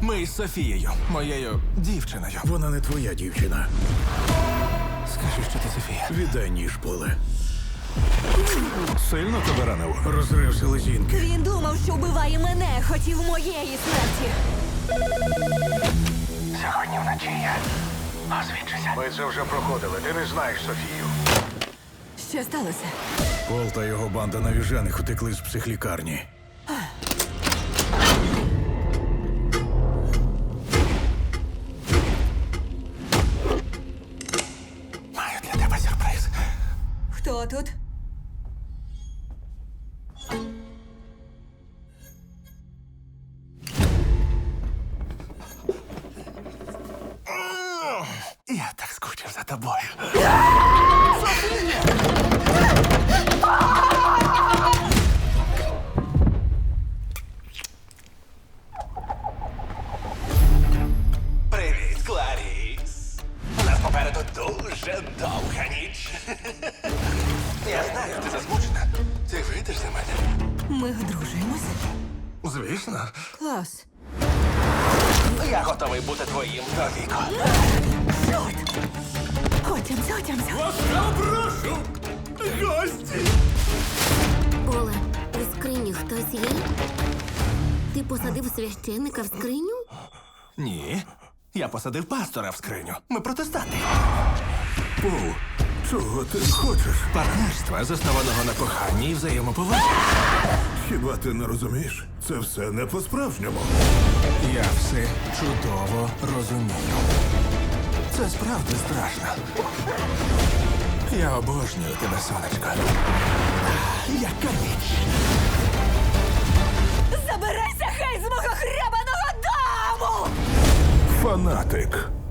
Ми із Софією, моєю дівчиною. Вона не твоя дівчина. Скажи, що ти Софія. Віддай ніж, Поле. Сильно тебе ранив? Розрив селезінки. Він думав, що вбиває мене, хотів моєї смерті. Сьогодні вночі я озвідчуся. Ми це вже проходили. Ти не знаєш Софію. Що сталося? Пол та його банда навіжених утекли з психлікарні. Маю для тебе сюрприз. Хто тут? Я так скучив за тобою. Привіт, Кларіс. У нас попереду дуже довга ніч. Я знаю, ти засмучена. Ти вийдеш за мене? Ми одружуємося? Звісно. Клас. Я готовий бути твоїм довіку. Чорт! Отямся. Прошу! Гості! Оле, у скрині хтось є? Ти посадив священника в скриню? Ні. Я посадив пастора в скриню. Ми протестанти. Пол, чого ти хочеш? Партнерства, заснованого на коханні і взаємоповазі. Хіба ти не розумієш? Це все не по-справжньому. Я все чудово розумію. Це справді страшно. Я обожнюю тебе, сонечко. Яка ніч! Забирайся хай з мого хребаного дому! Фанатик.